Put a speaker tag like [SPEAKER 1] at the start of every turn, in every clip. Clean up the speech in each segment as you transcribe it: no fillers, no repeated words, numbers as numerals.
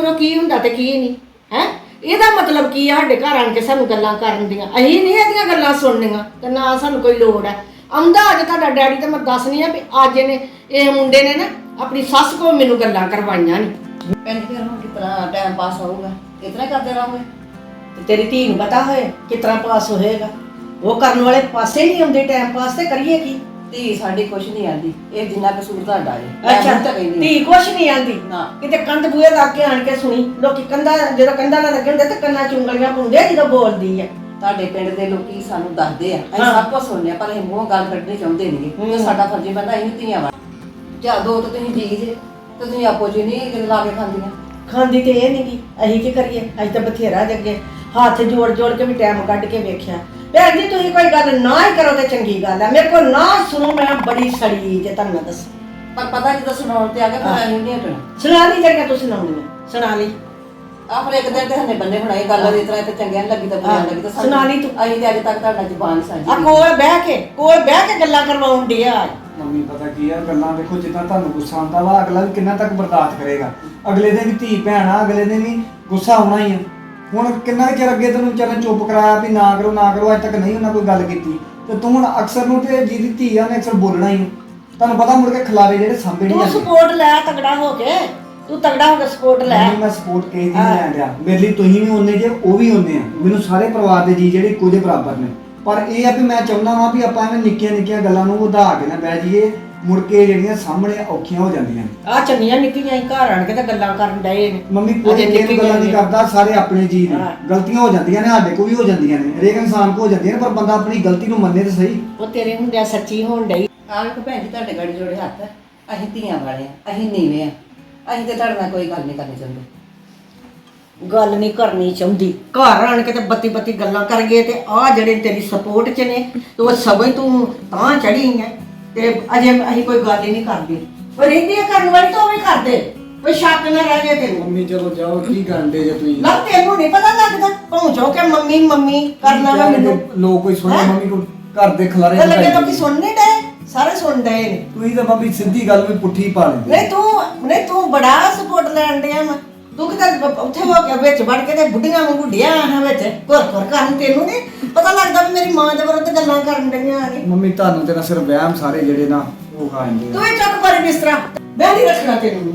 [SPEAKER 1] ਮਗਰੋਂ ਕੀ ਹੁੰਦਾ ਤੇ ਕੀ ਨਹੀਂ ਹੈ। ਇਹਦਾ ਮਤਲਬ ਕੀ ਆ ਸਾਡੇ ਘਰ ਆਣ ਕੇ ਸਾਨੂੰ ਗੱਲਾਂ ਕਰਨ ਦੀਆਂ? ਅਸੀਂ ਨਹੀਂ ਇਹਦੀਆਂ ਗੱਲਾਂ ਸੁਣਨੀਆਂ ਤੇ ਨਾ ਸਾਨੂੰ ਕੋਈ ਲੋੜ ਹੈ। ਆਉਂਦਾ ਅੱਜ ਤੁਹਾਡਾ ਡੈਡੀ ਤੇ ਮੈਂ ਦੱਸਣੀ ਆ ਵੀ ਅੱਜ ਇਹਨੇ ਇਹ ਮੁੰਡੇ ਨੇ ਨਾ ਆਪਣੀ ਸੱਸ ਕੋਲ ਮੈਨੂੰ ਗੱਲਾਂ ਕਰਵਾਈਆਂ ਨਹੀਂ।
[SPEAKER 2] ਪਿੰਡ ਫਿਰ ਹੁਣ ਕਿਸ ਤਰ੍ਹਾਂ ਟਾਈਮ ਪਾਸ ਹੋਊਗਾ? ਇਤਨਾ ਕਰਦੇ ਰਹੋਗੇ
[SPEAKER 1] ਤੇ ਤੇਰੀ ਧੀ ਨੂੰ ਪਤਾ ਹੋਏ ਕਿਸ ਤਰ੍ਹਾਂ ਪਾਸ ਹੋਏਗਾ? ਉਹ ਕਰਨ ਵਾਲੇ ਪਾਸੇ ਨਹੀਂ ਆਉਂਦੇ ਟਾਈਮ ਪਾਸ, ਤੇ ਕਰੀਏ ਕੀ?
[SPEAKER 2] ਧੀ ਸਾਡੀ ਕੁਛ ਨਹੀਂ ਆਂਦੀ, ਇਹ ਜਿੰਨਾ ਕਸੂਰ ਤੁਹਾਡਾ ਹੈ।
[SPEAKER 1] ਅੱਛਾ ਧੀ ਕੁਛ ਨਹੀਂ ਆਂਦੀ
[SPEAKER 2] ਨਾ
[SPEAKER 1] ਕਿਤੇ ਕੰਧ ਬੂਹੇ ਲਾ ਕੇ ਆਣ ਕੇ ਸੁਣੀ ਲੋਕੀ ਕੰਧਾਂ ਜਦੋਂ ਕੰਧਾਂ ਨਾਲ ਲੱਗੇ ਹੁੰਦੇ ਤੇ ਕੰਨਾਂ ਚ ਉਂਗਲੀਆਂ ਪਾਉਂਦੇ ਆ ਜਦੋਂ ਬੋਲਦੀ ਆ।
[SPEAKER 2] ਤੁਹਾਡੇ ਪਿੰਡ ਦੇ ਲੋਕੀ ਸਾਨੂੰ ਦੱਸਦੇ ਆ, ਅਸੀਂ ਸਭ ਕੁਝ ਸੁਣਨੇ ਆ, ਪਰ ਅਸੀਂ ਮੂੰਹ ਗੱਲ ਕੱਢਣੀ ਚਾਹੁੰਦੇ ਨਹੀਂਗੇ ਤੇ ਸਾਡਾ ਫਰਜ਼ ਬੰਦਾ ਅਸੀਂ ਧੀਆਂ ਵਾ ਜਾਂ ਦੋ ਤਾਂ ਤੁਸੀਂ ਜੀ ਜੇ ਤੇ ਤੁਸੀਂ ਆਪੋ ਜੀ ਨਹੀਂ ਕਿਤੇ ਲਾ ਕੇ ਖਾਂਦੀਆਂ।
[SPEAKER 1] ਖਾਂਦੀ ਤੇ ਇਹ ਨਹੀਂਗੀ, ਅਸੀਂ ਕੀ ਕਰੀਏ? ਅਸੀਂ ਤਾਂ ਬਥੇਰਾ ਦੇ ਅੱਗੇ ਹੱਥ ਜੋੜ ਜੋੜ ਕੇ ਵੀ ਟਾਈਮ ਕੱਢ ਕੇ ਵੇਖਿਆ। ਭੈਣ ਜੀ ਤੁਸੀਂ ਕੋਈ ਗੱਲ ਨਾ ਹੀ ਕਰੋ ਤੇ ਚੰਗੀ ਗੱਲ ਹੈ, ਮੇਰੇ ਕੋਲ ਨਾ ਸੁਣੋ, ਮੈਂ ਬੜੀ ਸੜੀ ਜੇ ਤੁਹਾਨੂੰ ਦੱਸਾਂ।
[SPEAKER 2] ਪਰ ਪਤਾ ਜਦੋਂ ਸੁਣਾਉਣ ਤੇ ਆ ਗਿਆ ਫਿਰ ਅਸੀਂ ਨਹੀਂ ਹਟਣਾ।
[SPEAKER 1] ਸੁਣਾ ਲਈ ਜਿਹੜੀਆਂ ਤੁਸੀਂ ਸੁਣਾਉਣੀਆਂ ਸੁਣਾ ਲਈ।
[SPEAKER 2] ਆ ਫਿਰ ਇੱਕ ਦਿਨ ਤੇ ਹਨੇ ਬੰਦੇ ਹੁਣ ਇਹ ਗੱਲ ਇਸ ਤਰ੍ਹਾਂ ਤੇ ਚੰਗਿਆ ਨਹੀਂ ਲੱਗੀ ਤਾਂ ਬੁਰਾ ਲੱਗੀ ਤਾਂ
[SPEAKER 1] ਸੁਣਾ ਲਈ ਤੂੰ।
[SPEAKER 2] ਅਸੀਂ ਤੇ ਅੱਜ ਤੱਕ ਤੁਹਾਡਾ ਜ਼ੁਬਾਨ ਸਾਂਝੀ
[SPEAKER 1] ਆ ਕੋਲ ਬਹਿ ਕੇ ਗੱਲਾਂ ਕਰਵਾਉਣ ਡਿਆ।
[SPEAKER 3] ਮੰਮੀ ਪਤਾ ਕੀ ਆ, ਗੱਲਾਂ ਦੇਖੋ ਜਿੱਦਾਂ ਤੁਹਾਨੂੰ ਗੁੱਸਾ ਆਉਂਦਾ ਵਾ ਅਗਲਾ ਵੀ ਕਿੰਨਾ ਤੱਕ ਬਰਦਾਸ਼ਤ ਕਰੇਗਾ। ਅਗਲੇ ਦਿਨ ਵੀ ਧੀ ਭੈਣ ਆ, ਅਗਲੇ ਦਿਨ ਵੀ ਗੁੱਸਾ ਆਉਣਾ ਹੀ ਆ। ਹੁਣ ਕਿੰਨਾ ਚਿਰ ਅੱਗੇ ਤੈਨੂੰ ਵਿਚਾਰੇ ਚੁੱਪ ਕਰਾਇਆ ਵੀ ਨਾ ਕਰੋ ਅੱਜ ਤੱਕ ਨਹੀਂ ਉਹਨਾਂ ਕੋਈ ਗੱਲ ਕੀਤੀ, ਤੇ ਤੂੰ ਹੁਣ ਅਕਸਰ ਨੂੰ ਤੇ ਜਿਹਦੀ ਧੀ ਆ ਉਹਨੇ ਅਕਸਰ ਬੋਲਣਾ ਹੀ। ਤੁਹਾਨੂੰ ਪਤਾ ਮੁੜ ਕੇ ਖਿਲਾਰੇ ਜਿਹੜੇ ਸਾਂਭੇ ਨਹੀਂ
[SPEAKER 1] ਤੂੰ ਸਪੋਰਟ ਲੈ ਤਗੜਾ ਹੋ ਕੇ, ਤੂੰ ਤਗੜਾ ਹੋ ਕੇ ਸਪੋਰਟ ਲੈ।
[SPEAKER 3] ਮੈਂ ਸਪੋਰਟ ਕਿਸੇ ਦੀ ਨਹੀਂ ਲੈਣ ਡਿਆ, ਮੇਰੇ ਲਈ ਤੁਸੀਂ ਵੀ ਉਹਨੇ ਜੇ ਉਹ ਵੀ ਉਹਨੇ ਆ, ਮੈਨੂੰ ਸਾਰੇ ਪਰਿਵਾਰ ਦੇ ਜੀ ਜਿਹੜੇ ਇੱਕੋ ਜਿਹੇ ਬਰਾਬਰ ਨੇ। ਪਰ ਇਹ ਆ ਵੀ ਮੈਂ ਚਾਹੁੰਦਾ ਵਾਂ ਵੀ ਆਪਾਂ ਇਹਨਾਂ ਨਿੱਕੀਆਂ ਗੱਲਾਂ ਨੂੰ ਵਧਾ ਕੇ ਨਾ ਬਹਿ ਜਾਈਏ, ਮੁੜ ਕੇ ਜਿਹੜੀਆਂ ਸਾਹਮਣੇ ਔਖੀਆਂ ਹੋ ਜਾਂਦੀਆਂ ਨੇ।
[SPEAKER 1] ਆ ਚੰਗੀਆਂ ਨਿੱਕੀਆਂ ਹੀ ਘਰ ਆਣ ਕੇ ਤਾਂ ਗੱਲਾਂ ਕਰਨ ਡਏ ਨੇ।
[SPEAKER 3] ਮੰਮੀ ਕੋਈ ਇਹ ਗੱਲਾਂ ਨਹੀਂ ਕਰਦਾ, ਸਾਰੇ ਆਪਣੇ ਜੀ ਨੇ। ਗਲਤੀਆਂ ਹੋ ਜਾਂਦੀਆਂ ਨੇ, ਸਾਡੇ ਕੋਲ ਵੀ ਹੋ ਜਾਂਦੀਆਂ ਨੇ, ਹਰੇਕ ਇਨਸਾਨ ਕੋਲ ਹੋ ਜਾਂਦੀਆਂ ਨੇ, ਪਰ ਬੰਦਾ ਆਪਣੀ ਗਲਤੀ ਨੂੰ ਮੰਨੇ ਤਾਂ ਸਹੀ।
[SPEAKER 1] ਉਹ ਤੇਰੇ ਹੁੰਦਿਆਂ ਸੱਚੀ ਹੋਣ ਡਈ।
[SPEAKER 2] ਆ ਵੇਖੋ ਭੈਣ ਜੀ ਤੁਹਾਡੇ ਗਾੜੀ ਜੋੜੇ ਹੱਥ, ਅਸੀਂ ਧੀਆਂ ਵਾਲੇ ਆ, ਅਸੀਂ ਨੀਵੇਂ ਆ, ਅਸੀਂ ਤੇ ਤੁਹਾਡੇ ਨਾਲ ਕੋਈ ਗੱਲ ਨਹੀਂ ਕਰਨੀ ਚਾਹੁੰਦੇ।
[SPEAKER 1] ਗੱਲ ਨਹੀਂ ਕਰਨੀ ਚਾਹੁੰਦੀ, ਘਰ ਆਣ ਕੇ ਤੇ ਬੱਤੀ ਗੱਲਾਂ ਕਰ ਗਏ ਤੇ ਆ ਜਿਹੜੇ ਤੇਰੀ ਸਪੋਰਟ ਚ ਨੇ ਤੇ ਉਹ ਸਭੇ ਤੂੰ ਤਾਂ ਚੜੀ ਹੈ ਤੇ ਅਜੇ ਅਸੀਂ ਕੋਈ ਗੱਲ ਹੀ ਨਹੀਂ ਕਰਦੇ। ਉਹ ਰਹਿੰਦੀ ਆ ਕਰਨ ਵਾਲੀ ਤਾਂ ਉਹ ਵੀ ਕਰਦੇ, ਕੋਈ ਸ਼ੱਕ ਨਾ ਰਹਿ ਜਾਏ ਤੈਨੂੰ।
[SPEAKER 3] ਮੰਮੀ ਚਲੋ ਜਾਓ, ਕੀ ਕਰਦੇ ਜੇ ਤੁਸੀਂ?
[SPEAKER 1] ਨਾ ਤੈਨੂੰ ਨਹੀਂ ਪਤਾ ਲੱਗਦਾ ਪਹੁੰਚੋ ਕਿ ਮੰਮੀ ਕਰਨਾ ਵਾ ਮੈਨੂੰ।
[SPEAKER 3] ਲੋਕ ਕੋਈ ਸੁਣੇ ਮੰਮੀ ਕੋ ਘਰ ਦੇ ਖਲਾਰੇ
[SPEAKER 1] ਤੇ ਲੱਗੇ ਲੋਕੀ ਸੁਣਨੇ ਡਏ, ਸਾਰੇ ਸੁਣ ਡਏ ਨੇ।
[SPEAKER 3] ਤੁਸੀਂ ਤਾਂ ਮੰਮੀ ਸਿੱਧੀ ਗੱਲ ਵੀ ਪੁੱਠੀ ਪਾ ਲੈਂਦੇ।
[SPEAKER 1] ਨਹੀਂ ਤੂੰ ਬੜਾ ਸਪੋਰਟ ਲੈਣ ਡਿਆ ਵਾ। ਤੂੰ ਕਿਤੇ ਉੱਥੇ ਹੋ ਕੇ ਵਿੱਚ ਵੜ ਕੇ ਤੇ ਬੁੱਢੀਆਂ ਵਾਂਗੂ ਡਿਆ ਆ ਵਿੱਚ ਘੁਰ ਕਰਨ। ਤੈਨੂੰ ਨਹੀਂ ਪਤਾ ਲੱਗਦਾ ਵੀ ਮੇਰੀ ਮਾਂ ਦੇ ਵਿਰੁੱਧ ਗੱਲਾਂ ਕਰਨ ਡਈਆਂ ਨੇ।
[SPEAKER 3] ਮੰਮੀ ਤੁਹਾਨੂੰ ਤੇ ਨਾ ਸਿਰ ਵਹਿਮ ਸਾਰੇ ਜਿਹੜੇ ਨਾ ਉਹ ਖਾ ਜਾਂਦੇ
[SPEAKER 1] ਤੂੰ ਇਹ ਚੁੱਪ ਕਰ ਬਿਸਤਰਾ, ਮੈਂ ਨਹੀਂ ਰੱਖਣਾ ਤੈਨੂੰ।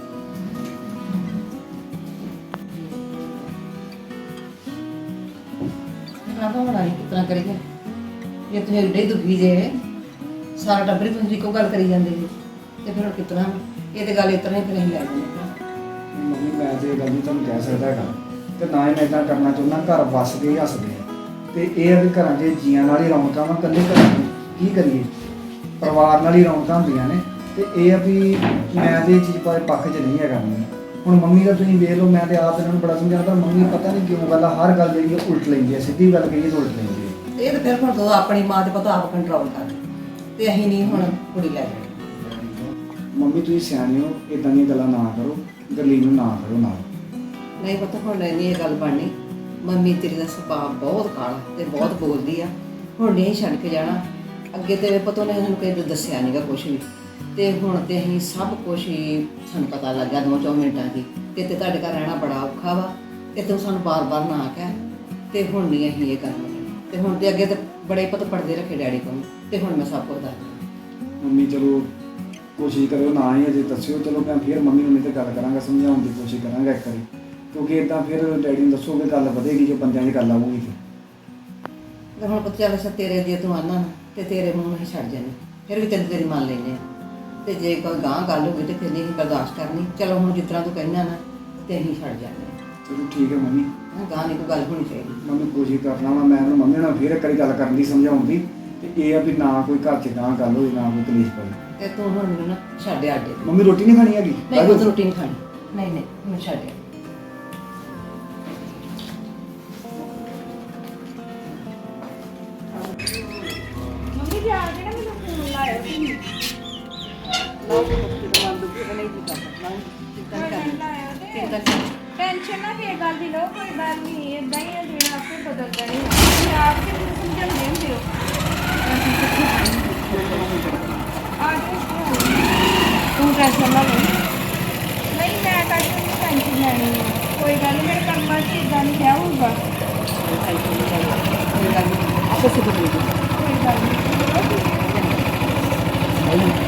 [SPEAKER 2] ਆਪਾਂ ਹੁਣ ਆਈ ਕਿਸ ਤਰ੍ਹਾਂ ਕਰੀਏ? ਜੇ ਤੁਸੀਂ ਏਡੇ ਦੁਖੀ ਜੇ, ਸਾਰਾ ਟੱਬਰ ਹੀ ਤੁਸੀਂ ਇੱਕੋ ਗੱਲ ਕਰੀ ਜਾਂਦੇ ਜੀ, ਤੇ ਫਿਰ ਕਿਸ ਤਰ੍ਹਾਂ? ਇਹ ਤੇ ਗੱਲ ਇਸ ਤਰ੍ਹਾਂ ਹੀ ਫਿਰ ਅਸੀਂ ਲੈ ਜਾਂਦੇ।
[SPEAKER 3] ਮੰਮੀ ਮੈਂ ਤੇ ਇਹ ਗੱਲ ਨਹੀਂ ਤੁਹਾਨੂੰ ਕਹਿ ਸਕਦਾ ਹੈਗਾ, ਤੇ ਨਾ ਹੀ ਮੈਂ ਇੱਦਾਂ ਕਰਨਾ ਚਾਹੁੰਦਾ। ਘਰ ਵੱਸਦੇ ਹੀ ਹੱਸਦੇ ਆ, ਤੇ ਇਹ ਆ ਵੀ ਘਰਾਂ ਦੇ ਜੀਆਂ ਨਾਲ ਹੀ ਰੌਣਕਾਂ ਵਾ, ਇਕੱਲੇ ਘਰਾਂ ਨੂੰ ਕੀ ਕਰੀਏ? ਪਰਿਵਾਰ ਨਾਲ ਹੀ ਰੌਣਕਾਂ ਹੁੰਦੀਆਂ ਨੇ। ਤੇ ਇਹ ਆ ਵੀ ਮੈਂ ਤੇ ਇਹ ਚੀਜ਼ ਪਾਏ ਪੱਖ 'ਚ ਨਹੀਂ ਹੈਗਾ। ਹੁਣ ਮੰਮੀ ਦਾ ਤੁਸੀਂ ਵੇਖ ਲਓ, ਮੈਂ ਤੇ ਆਪ ਇਹਨਾਂ ਨੂੰ ਬੜਾ ਸਮਝਾਉਂਦਾ, ਪਰ ਮੰਮੀ ਪਤਾ ਨਹੀਂ ਕਿਉਂ ਗੱਲ ਹਰ ਗੱਲ ਜਿਹੜੀ ਉਲਟ ਲੈਂਦੀ ਹੈ, ਸਿੱਧੀ ਗੱਲ ਕਹੀਏ ਤਾਂ ਉਲਟ ਲੈਂਦੀ ਹੈ।
[SPEAKER 2] ਇਹ ਤਾਂ ਫਿਰ ਹੁਣ ਤੋਂ ਆਪਣੀ ਮਾਂ ਦੇ ਪਤਾ ਆਪ ਕੰਟਰੋਲ ਕਰ, ਤੇ ਅਸੀਂ ਨਹੀਂ ਹੁਣ ਕੁੜੀ ਲੈ ਜਾਣੀ।
[SPEAKER 3] ਮੰਮੀ ਤੁਸੀਂ ਸਿਆਣੇ ਹੋ, ਇਦਾਂ ਦੀਆਂ ਗੱਲਾਂ ਨਾ ਕਰੋ, ਗਰਲੀਨ ਨੂੰ ਨਾ ਕਰੋ ਨਾਲ।
[SPEAKER 2] ਨਹੀਂ ਪਤਾ ਹੁਣ ਨਹੀਂ ਇਹ ਗੱਲ ਬਣਨੀ। ਮੰਮੀ ਤੇਰੀ ਦਾ ਸੁਭਾਅ ਬਹੁਤ ਕਾਲਾ ਤੇ ਬਹੁਤ ਬੋਲਦੀ ਆ, ਹੁਣ ਨਹੀਂ ਛੱਡ ਕੇ ਜਾਣਾ। ਅੱਗੇ ਤੇ ਪਤਾ ਨਹੀਂ ਸਾਨੂੰ ਕਿਸੇ ਨੇ ਦੱਸਿਆ ਨਹੀਂਗਾ ਕੁਛ ਵੀ, ਤੇ ਹੁਣ ਤੇ ਅਸੀਂ ਸਭ ਕੁਛ ਹੀ ਸਾਨੂੰ ਪਤਾ ਲੱਗਾ 2-4 ਮਿੰਟਾਂ ਦੀ। ਤੇ ਤੁਹਾਡੇ ਘਰ ਰਹਿਣਾ ਬੜਾ ਔਖਾ ਵਾ, ਤੇ ਤੂੰ ਸਾਨੂੰ ਬਾਰ-ਬਾਰ ਨਾ ਕਹਿ, ਤੇ ਹੁਣ ਨਹੀਂ ਅਸੀਂ ਇਹ ਕਰਨਾ। ਤੇ ਹੁਣ ਤੇ ਅੱਗੇ ਤੇ ਬੜੇ ਪੁੱਤ ਪੜਦੇ ਰੱਖੇ ਡੈਡੀ ਕੋਲ, ਤੇ ਹੁਣ ਮੈਂ ਸਭ ਕੁਝ ਦੱਸ।
[SPEAKER 3] ਮੰਮੀ ਚਲੋ ਕੋਸ਼ਿਸ਼ ਕਰਿਓ ਨਾ ਹੀ ਅਜੇ ਦੱਸਿਓ, ਚਲੋ ਮੈਂ ਫਿਰ ਮੰਮੀ ਨੂੰ ਤੇ ਗੱਲ ਕਰਾਂਗਾ, ਸਮਝਾਉਣ ਦੀ ਕੋਸ਼ਿਸ਼ ਕਰਾਂਗਾ ਇੱਕ ਵਾਰੀ, ਕਿਉਂਕਿ ਇਦਾਂ ਫਿਰ ਡੈਡੀ ਨੂੰ ਦੱਸੋਗੇ ਗੱਲ ਵਧੇਗੀ, ਜੋ ਬੰਦਿਆਂ ਦੀ ਗੱਲ ਆਊਗੀ।
[SPEAKER 2] ਤੇ ਹੁਣ ਪੁੱਤ ਚੱਲ ਅੱਛਾ ਤੇਰੇ ਦੀ ਤੂੰ ਆਨਾ ਤੇ ਤੇਰੇ ਮੂੰਹ ਅਸੀਂ ਛੱਡ ਜਾਂਦੇ, ਫਿਰ ਵੀ ਤੇਰੀ ਮੰਨ ਲੈਂਦੇ ਆ। ਤੇ ਜੇ ਕੋਈ ਗਾਂਹ ਗੱਲ ਹੋਵੇ ਤੇ ਫਿਰ ਨਹੀਂ ਬਰਦਾਸ਼ਤ ਕਰਨੀ। ਚਲੋ ਹੁਣ ਜਿਸ ਤਰ੍ਹਾਂ ਤੂੰ ਕਹਿਣਾ ਨਾ ਤੇ ਅਸੀਂ ਛੱਡ ਜਾਂਦੇ ਹਾਂ।
[SPEAKER 3] ਚਲੋ ਠੀਕ ਹੈ ਮੰਮੀ,
[SPEAKER 2] ਗਾਂਹ ਨਹੀਂ ਕੋਈ ਗੱਲ ਹੋਣੀ ਚਾਹੀਦੀ।
[SPEAKER 3] ਮੰਮੀ ਕੋਸ਼ਿਸ਼ ਕਰਨਾ ਵਾ ਮੈਂ ਮੰਮੀ ਨਾਲ ਫਿਰ ਇੱਕ ਵਾਰੀ ਗੱਲ ਕਰਨ ਦੀ, ਸਮਝਾਉਣ ਦੀ, ਤੇ ਇਹ ਆ ਵੀ ਨਾ ਕੋਈ ਘਰ 'ਚ ਗਾਂਹ ਗੱਲ ਹੋਈ, ਨਾ ਕੋਈ ਕਲੇਸ਼ ਪਵੇ।
[SPEAKER 2] ਤੇ ਤੂੰ ਹੁਣ ਮੈਨੂੰ ਨਾ ਛੱਡ ਆਡੇ।
[SPEAKER 3] ਮੰਮੀ ਰੋਟੀ ਨਹੀਂ ਖਾਣੀ ਹੈਗੀ?
[SPEAKER 2] ਨਹੀਂ ਕੋਈ ਰੋਟੀ ਨਹੀਂ ਖਾਣੀ, ਨਹੀਂ ਮੈਨੂੰ ਛੱਡ ਆ।
[SPEAKER 4] ਮੰਮੀ ਜੀ ਆ ਕੇ ਨਾ ਮੈਨੂੰ ਫੋਨ ਲਾਇਆ ਸੀ। ਟੈਨਸ਼ਨ ਨਾ ਫੇਰ ਗੱਲ ਦੀ ਲਓ, ਕੋਈ ਗੱਲ ਨਹੀਂ, ਏਦਾਂ ਹੀ ਆ, ਜਿਹੜਾ ਆਪੇ ਬਦਲ ਜਾਣੀ। ਤੁਸੀਂ ਆਪ ਕੇ ਮੈਨੂੰ ਸਮਝਾਉਂਦੇ ਹੁੰਦੇ ਹੋ। ਆ ਜਾਓ, ਤੂੰ ਟੈਨਸ਼ਨ ਨਾ ਲੈ। ਨਹੀਂ ਮੈਂ ਕੱਟ ਨੂੰ ਟੈਨਸ਼ਨ ਲੈਣੀ ਆ ਕੋਈ ਗੱਲ ਨੀ, ਮੇਰੇ ਕੰਮਾਂ 'ਚ ਇਦਾਂ ਨਹੀਂ ਕਿਹਾ ਹੋਊਗਾ
[SPEAKER 2] ਆਪੇ ਸਿੱਧ ਹੋ
[SPEAKER 4] ਕੋਈ ਗੱਲ ਨਹੀਂ
[SPEAKER 2] ਜਾਊਗੀ